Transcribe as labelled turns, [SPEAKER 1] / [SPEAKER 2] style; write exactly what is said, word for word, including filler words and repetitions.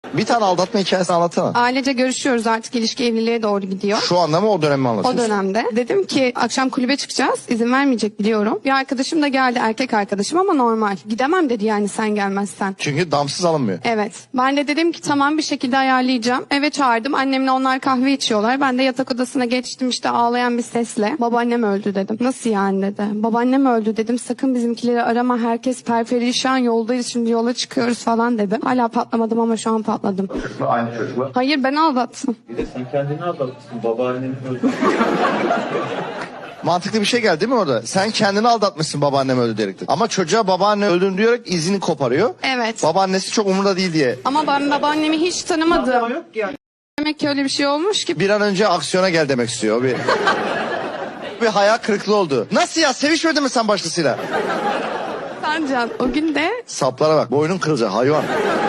[SPEAKER 1] Bir tane aldatma hikayesini anlatsana.
[SPEAKER 2] Ailece görüşüyoruz, artık ilişki evliliğe doğru gidiyor.
[SPEAKER 1] Şu anda mı o dönemi mi
[SPEAKER 2] O
[SPEAKER 1] anlatıyorsun?
[SPEAKER 2] dönemde. Dedim ki akşam kulübe çıkacağız. İzin vermeyecek biliyorum. Bir arkadaşım da geldi, erkek arkadaşım ama normal. Gidemem dedi yani sen gelmezsen.
[SPEAKER 1] Çünkü damsız alınmıyor.
[SPEAKER 2] Evet. Ben de dedim ki tamam bir şekilde ayarlayacağım. Eve çağırdım. Annemle onlar kahve içiyorlar. Ben de yatak odasına geçtim işte ağlayan bir sesle. Babaannem öldü dedim. Nasıl yani dedi. Babaannem öldü dedim. Sakın bizimkileri arama. Herkes perperişan, yoldayız şimdi, yola çıkıyoruz falan dedim. Hala patlamadım ama şu an patladım.
[SPEAKER 3] Çocuk mu? Aynı çocuk mu?
[SPEAKER 2] Hayır, ben aldattım.
[SPEAKER 3] Bir de sen kendini aldatmışsın. Babaanneni öldü.
[SPEAKER 1] Mantıklı bir şey geldi değil mi orada? Sen kendini aldatmışsın babaannem öldü diyerek. Ama çocuğa babaanne öldüğünü diyerek izini koparıyor.
[SPEAKER 2] Evet.
[SPEAKER 1] Babaannesi çok umurunda değil diye.
[SPEAKER 2] Ama ben babaannemi hiç tanımadım. Demek ki öyle bir şey olmuş ki.
[SPEAKER 1] Bir an önce aksiyona gel demek istiyor. Bir, bir hayal kırıklığı oldu. Nasıl ya, sevişmedin mi sen başkasıyla?
[SPEAKER 2] Sancan o gün de
[SPEAKER 1] Saplara bak, boynun kırılacak hayvan.